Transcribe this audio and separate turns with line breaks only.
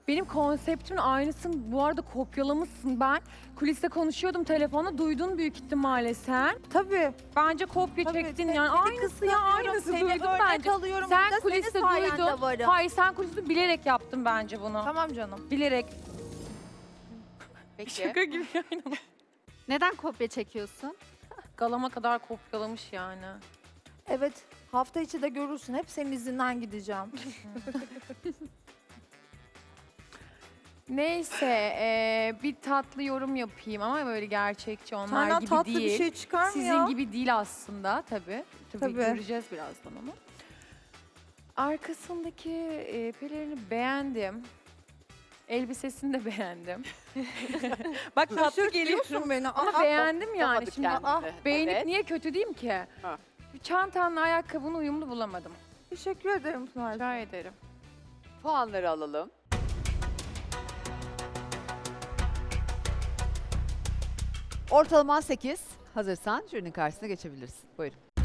Benim konseptimin aynısını bu arada kopyalamışsın. Ben kuliste konuşuyordum telefonla, duydun büyük ihtimalle sen.
Tabii.
Bence kopya
Tabii,
çektin
seni
yani. Aynısı ya,
kıskanıyorum,
aynısı
seni
duydum
örnek
bence.
alıyorum.
Sen
Burada
kuliste
senin sayende
duydun.
varım.
Hayır, sen kuliste bilerek yaptın bence bunu.
Tamam canım.
Bilerek.
Peki.
Şaka gibi yani.
Neden kopya çekiyorsun?
Galama kadar kopyalamış yani.
Evet. Hafta içi de görürsün. Hep senin izinden gideceğim.
Neyse, bir tatlı yorum yapayım ama böyle gerçekçi onlar
Senden
gibi
tatlı
değil.
bir şey çıkar mı
Sizin
ya?
gibi değil aslında tabii.
Tabii.
Göreceğiz birazdan onu. Arkasındaki pelerini beğendim. Elbisesini de beğendim. Bak tatlı geliyor
Şaşırtıyorsun beni.
ama
Aa,
beğendim yani.
Tutamadık
Şimdi
kendimizi.
beğenip
Evet.
niye kötü diyeyim ki?
Ha.
Çantanla ayakkabını uyumlu bulamadım.
Teşekkür ederim Pınar.
Rica ederim.
Puanları alalım.
Ortalaman 8. Hazırsan jürinin karşısına geçebilirsin. Buyurun.